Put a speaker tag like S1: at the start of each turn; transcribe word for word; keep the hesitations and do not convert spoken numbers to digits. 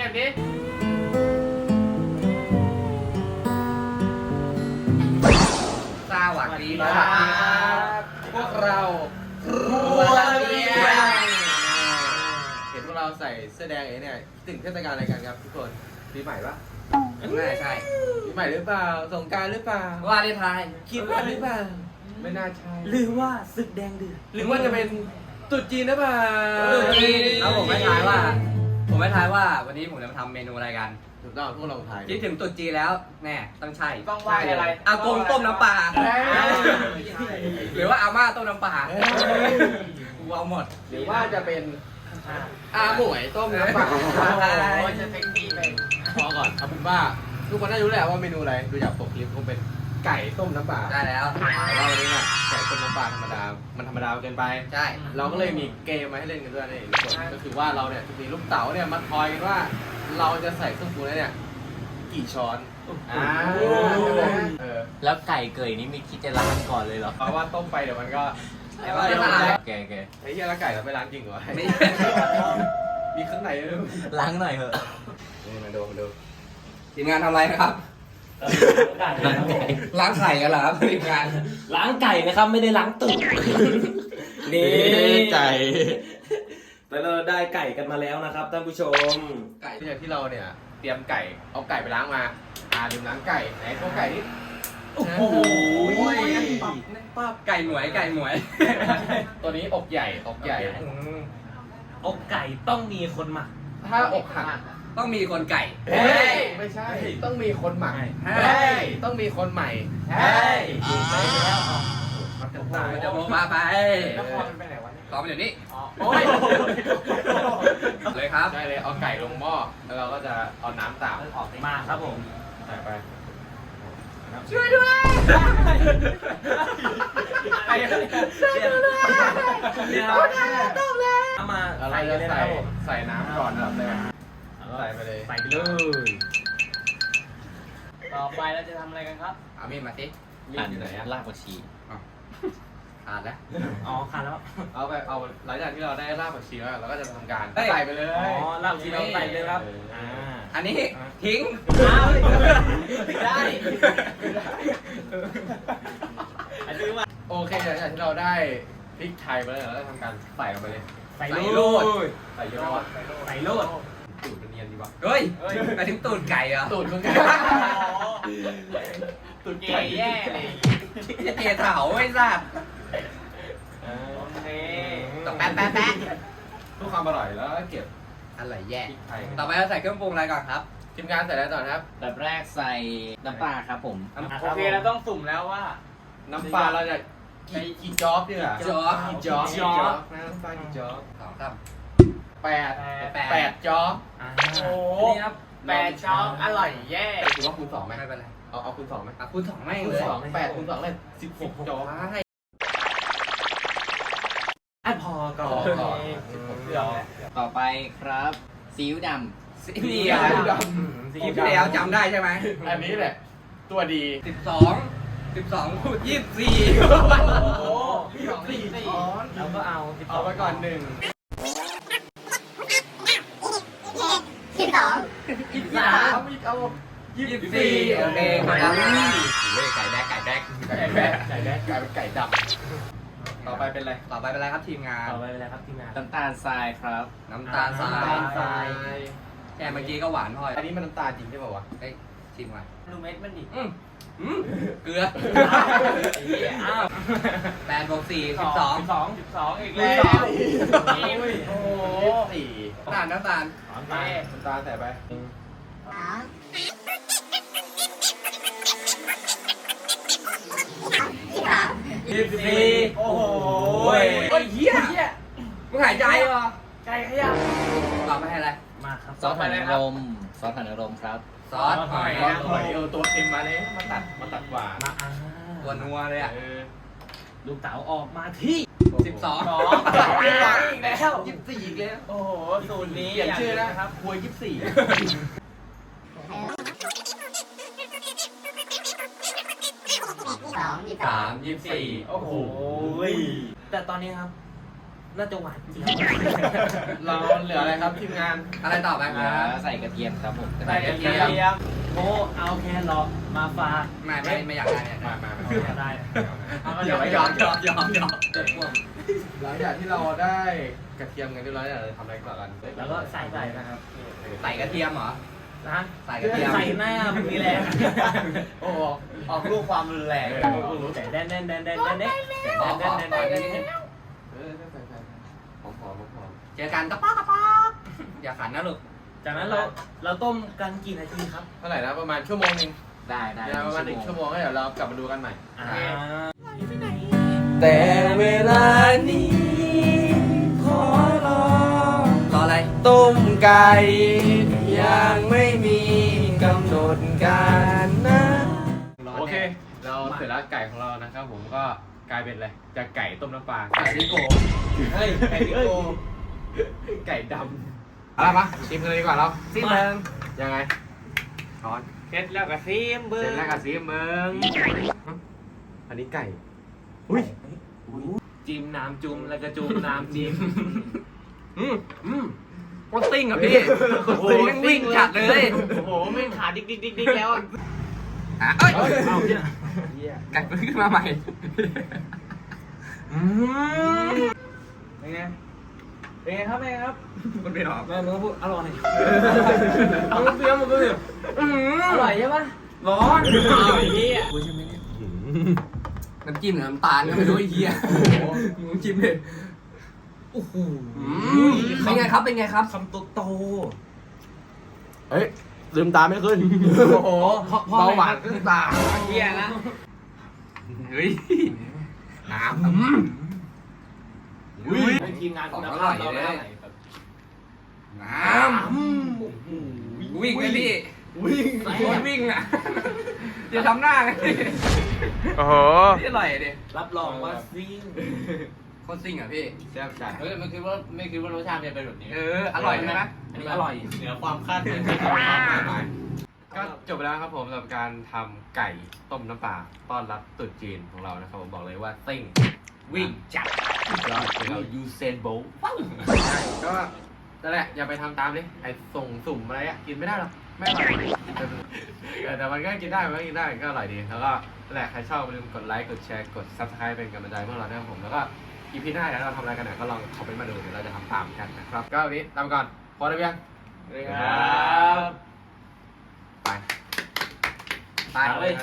S1: กดิ
S2: สวัสดีค
S1: ค
S2: รั
S1: รับพวกเราครัวเรียงเห็นพวกเราใส่เสื้อแดงเองเนี่ยถึงเทศกาลอะไรกันครับทุกคนปีใหม่ปะ
S2: น่าใช่
S1: ปีใหม่หรือเปล่าสงกรานต์หรือเปล่า
S2: ว่าได้ทาย
S1: คิดว่าหรือเปล่าไม่น่าใช่
S3: หรือว่าศึกแดงเดือด
S1: หรือว่าจะเป็นตรุษจีนหรือเปล่า
S2: ตรุษจีนแล้วผมไม่ทายว่า ผมไม่ทายว่าวันนี้ผมจะมาทำเมนูอะไรกัน
S1: ถูกต้องพวกเราทาย
S2: คิดถึงตรุษจีนแล้วแน่ต้องใช่
S1: ต้องว่าอะไร
S2: อากงต้มน้ำปลาหรือว่าอาม่าต้มน้ำปลากูเอาหมด
S1: หรือว่าจะเป็นอาหมวยต้มน้ำปลา
S2: จะเป็นปีเป็น
S1: พอก่อนเอาเป็นว่าทุกคนน่าจะรู้แหละว่าเมนูอะไรดูจากปกคลิปคงเป็นไก่ต้มน้ำปลา
S2: ได้แล้ว
S1: แต่ว่าวันนี้เนี่ยไก่ต้มน้ำปลาธรรมดา มันธรรมดาเกินไป
S2: ใช่
S1: เราก็เลยมีเกมมาให้เล่นกันด้วยนี่ทุกคนก็คือว่าเราเนี่ยจะมีลูกเต๋าเนี่ยมาทอยกันว่า เราจะใส่เครื่องปรุงแล้วเนี่ยกี่ช้อนอ่าเออ
S3: แล้วไก่เกยนี่ไม่คิดจะล้างก่อนเลยเหรอ
S1: เพราะว่าต้มไปเดี๋ยวมันก็
S2: เดี๋ยวมันจะตาย
S3: แกแก
S1: ไอ้เหี้ยแล้วไก่เราไปล้างจริงเหรอ
S2: ไม่
S1: มีข้างในด้วย
S3: ล้างหน่อยเถอะ
S1: นี่มาดูมาดู
S2: ทีมงานทำอะไรครับ
S3: ล้างไก่
S2: ล้างไข่กันเหรอครับทีมงาน
S3: ล้างไก่นะครับไม่ได้ล้างตูดนี่
S1: ไก่
S3: แล้วเราได้ไก่กันมาแล้วนะครับท่านผู้ชม
S1: ไก่ที่ที่เราเนี่ยเตรียมไก่เอาไก่ไปล้างมาอ่าลืมล้างไก่ไหนพวกไก่นี่
S3: โอ้โห
S2: ป้าไก่หมวยไก่หมวย
S1: ตัวนี้อกใหญ่อกใหญ่
S3: อกไก่ต้องมีคนหมัก
S1: ถ้าอกหัก
S2: ต้องมีคนไก่
S1: เฮ้ยไม่ใช่ต้องมีคนใหม่
S2: เฮ้
S1: เฮ้
S2: ย
S1: ยต้องมีคนใหม่เฮ้ย
S2: มันจะมันจะโมมาไป
S1: แล้วพอมันไปไหนวะ
S2: ตอบมาเดี๋ยวนี้
S1: โอ้ย
S2: เลยครับ
S1: ได้เลยเอาไก่ลงหม้อแล้วเราก็จะเอาน้ำตาม
S3: มาครับผม
S1: ใส่ไป
S2: ช่วยด้วย
S3: เนี่ยเอามา
S1: แล้วเรา
S3: ใส่
S1: จะ
S3: เลยนะ
S1: ใส่
S3: ครับผม
S1: ใส่น้ำก่อนแบบแรกใส่ไปเลย
S3: ใส่ไปเลย ต่อไปเราจะทำอะไรกันครับ
S2: เอามีดมาสิ
S1: มีดอยู่ไหนอะ
S3: ลากผักชี
S2: ขาดแล้ว
S3: อ๋อขาดแล้ว
S1: เอาไปเอาหลังจากที่เราได้รากผักชีแล้วเราก็จะทำการ
S2: เฮ้ย
S1: ใส่ไปเลย
S3: อ๋อลากผักชีเราใส่เลยครับ อ่า
S2: อันนี้ทิ้ง
S3: อ้าวได้
S1: อันนี้ว่าโอเคหลังจากที่เราได้พริกไทยมาแล้วเราก็ทำการใส่ลงไปเลย
S3: ใส่
S2: ใส่
S3: โล
S2: โล
S3: ด
S2: ด
S1: ใส่เยอะวะ
S3: ใส่โลด
S1: ตูดมันเนียนดีวะ
S2: เฮ้ยไปถึงตูดไก่เหรอ
S1: ตูดมึงไงตูดไก่แย่เลย
S2: จะเกลียเถาไม่ทราบ
S3: โอเค
S2: ต้องแป๊ะแป๊ะแป๊ะ
S1: เพื่อความอร่อยแล้วก็เก็บ
S2: อะไรแย่
S1: พริกไทย
S2: ต่อไปเราใส่เครื่องปรุงอะไรก่อนครับ
S1: ทีมงานใส่อะไรต่อครับ
S4: แบบแรกใส่น้ำปลาครับผม
S3: โอเคเราต้องสุ่มแล้วว่า
S1: น้ำปลาเราจะกี่กี่จ๊อบดีกว่า
S2: จ๊อบ
S1: กี่จ๊อบ
S3: กี่จ๊อบ
S1: นะน้ำปลากี่จ๊อบ
S2: สองครับ
S1: แปด
S2: แปด
S1: แปดจ๊อบ
S3: อ่า
S1: โอ้
S3: นี่ครับแปดช้อนอร่อยแย่
S1: ถือว่าคูณสองไหม
S2: ไม่เป็นไร
S1: เอาเอาคูณสองไหม
S2: อ่ะคุณสองไม่ง
S1: คู
S2: เล
S1: ณ
S2: ย
S1: สองแปดคูณสองเลยสิบหกจ๊อบ
S2: ให้
S3: อ่ะพอก่อน
S1: พอก่อน
S3: เดี๋ยว
S4: ต่อไปครับซีอิ๊วด
S2: สิบเดียว
S1: ด
S3: สี
S2: คลิปที่แล้วจำได้ใช่ไหม
S1: อันนี้แหละ ตัวดี
S2: สิบสองสิบสองคูณยี่สิบสี่
S3: โอ้
S1: สี่ช้อน
S3: เราก็เอาสิบส
S1: เอา
S3: ง
S1: ไปก่อนหนึ่ง
S5: สิบสอง
S3: ยี่สิบสาม
S1: อีกเอายี่
S2: ยี่
S1: สิ
S2: สิ
S1: บบ สี่
S2: สี่โอเคครับเว้ยไก่แดกไก่แดก
S1: ไก่แบะไก่แบะไก่เป็นไก่ดำต่อไปเป็นอะไร
S2: ต่อไปเป็นอะไรครับทีมงาน
S3: ต่อไปเป็นอะไรครับทีมงาน
S4: ำน้ำตาลทรายครับ
S2: น้ำตาลทราย
S3: น้ำตาลทราย
S2: แค่เมื่อกี้ก็หวานพอ
S1: อันนี้มันน้ำตาลจริงใช่ป่าวะ
S2: เอ้ยชิมก่อน
S3: ดูเม็ดมันดิ
S2: อืมอืมเกลือ
S3: อ้าว
S2: แปดบวกสี่สิบสอง
S3: สิบสองสิบสองอีก
S1: แล้
S3: แล้ว ว
S1: โอ้โหสี่
S2: น้ำตาลน้ำตาล
S3: โอเค
S1: น้ำตาลใส่ไป
S5: สามสิบสาม
S3: ยี่สิบสี่โอ้โห
S2: เฮ้ยเฮียมึงหายใจเหรอ
S3: ไก่ขยับ
S2: ต่อไปให้อะไร
S3: มาครับ
S4: ซอสหอยนางรมซอสหอยนางรมครับ
S2: ซอสหอย
S1: ก้อนหอยเออตัวเค็มมาเลยมาตัดมาตัดหวาน
S3: มาอ่า
S2: ตัวนัวเลยอ่ะ
S1: เออ
S3: ลูกเต๋าออกมาที่
S2: สิบสอง
S3: สองอีกแล้ว
S1: ยี่สิบสี่อีกแล้ว
S3: โอ้โหสูตรนี้
S1: เปลี่ยนชื่อ
S3: นะ
S1: นะครับครัวยี่สิบสี่
S5: สองยี่สิบส
S2: สา
S5: อง
S2: มยี่สิบสี่
S1: โอ้โห
S3: แต่ตอนนี้ครับ
S6: น่าจะหวานจริง
S1: เราเหลืออะไรครับทีมงาน
S2: อะไรต่อไป
S4: เห
S2: ค
S4: ลือ
S2: รับ
S4: ใส่กระเทียมครับผม
S2: ใส่กระเทียม
S6: โอ้เอาแครอทมาฝาก
S2: ไม่ไม่ไม่อยากได้เนี่ย
S1: มามามา
S6: อยากได้
S2: เดี๋ยวไว้ยอมยอมยอมยอม
S6: เจ็บปวด
S1: หลังจากที่เราได้กระเทียมกันเรียบร้อยแล้วเราจะทำอะไรต่อกัน
S6: แล้วก็ใส่ไปนะครับ
S2: ใส่กระเทียมเหรอ
S6: นะ
S2: ใส่กระเทียม
S6: ใส่หน้ามึงนี่แหละ
S2: โอ้โหออกลูกความรุนแรง
S6: แต่แดนแดนแดนแดนแดนแดนแดนแดนแดนแดนแดน
S1: เออใส่ใส่หอมหอมหอม
S2: เจอกันกระป๊อกกระป๊อกอย่าขันนะลูก
S6: จากนั้นเราเราต้มกันกี่นาทีครับ
S1: เท่าไหร่นะประมาณชั่วโมงหนึง
S4: ได้ได้
S1: เดี๋ยวประมาณหนึ่งชั่วโมงแล้วเดี๋ยวเรากลับมาดูกันใหม่
S6: อ่า
S3: แต่เวลานี้ขอรอ
S2: รออะไร
S3: ต้มไก่ยังไม่มีกำหนดการนะ
S1: โอเค เราเสร็จแล้วไก่ของเรานะครับผมก็กลายเป็นอะไรจากไก่ต้มน้ำปลา
S2: ไก่ดิโก้
S1: เฮ้ยไก่ดิโก้ไก่ดำเอาละปะชิมกันเลยดีกว่าเรา
S2: ซิมเบิง
S1: ยังไงช้อน
S6: เสร็จแล้วก็ซีมเบอ
S1: เสร็จ
S6: ร์
S1: แล้วกับซีมึงอันนี้ไก่อุ้ย
S6: จิ้มน้ำจุ่มแล้วก็จุ่มน้ำจิ้ม
S1: อืมอืม
S2: โคตรซิ่งอ่ะพี่โอ้โหแม่งวิ่งจัดเลย
S6: โอ้โหไม่ขาดิกดิกดิกดิกแล้วอ่ะ
S2: อ่ะเอ้ย
S6: เอาเนี่ย
S2: ไก่ขึ้นมาใหม่อืม
S6: เป็นไงเป็นไงครับเป็นไงครับ
S2: มันเป็นหรอ
S6: แม่มึงพูดอร่อย
S2: เอาเปรี้ยวมันก็แบบอืม
S6: อร่อยใช่ปะ
S2: ร้อน
S6: อร่อยที่อ่ะ
S2: น้ำจิ้มหรือน้ำตาลก็ไม่รู้ไอ้เหี้ยน้ำจิ้มเลยโอ้โหเป็นไงครับเป็นไงครับ
S6: คำโตโต
S1: เฮ้ยลืมตาไม่ขึ้น
S2: โอ้โหเบาหวานขึ้นตา
S6: เฮียนะ
S2: เฮ้ยน้ำ
S1: อุ้ย
S6: ทีมงานคุณ
S2: ของอ
S6: ภา
S2: ร่อ
S6: พ
S2: ย
S6: เรา
S2: เล
S6: แล้ว
S2: ยน้ำวิ่งเลยพี่
S1: วิ่ง
S2: คนวิ่งอ่ะจะทำหน้าไง
S1: โอ้โห
S2: ที่อร่อยดิ
S6: รับรองว่าซิ่ง
S2: คนซิ่งอ่ะพี่
S1: แซ่บจัด
S4: เฮ้ยไม่คิดว่าไม่คิดว่ารสชาติจะเป็นแบบนี้
S2: เอออร่อยใช่ไหม
S6: อันนี้อร่อย
S4: เหนือความคาดหมาย
S1: ก็จบไปแล้วครับผมสำหรับการทำไก่ต้มน้ำปลาต้อนรับตรุ๊จีนของเรานะครับผมบอกเลยว่าซิ่ง
S2: วิ่งจัด
S1: ยอดเป็นเรายูเซนโบลต์ก็นั่นแหละอย่าไปทำตามดิไอ้ส่งสุ่มอะไรอ่ะกินไม่ได้หรอกไม่อร่อยเออแต่มันก็กินได้มันก็กินได้ก็อร่อยดีแล้วก็นั่นแหละใครชอบอย่าลืมกดไลค์กดแชร์กด ซับสไครบ์ เป็นกำลังใจพวกเรานะครับผมแล้วก็อีพีหน้าแล้วเราทำอะไรกันเนี่ยก็ลองคอมเมนต์มาดูเดี๋ยวเราจะทำตามกันนะครับก็วันนี้ตามก่อนพอได้ยัง
S6: ครับ
S1: ไป
S2: ไป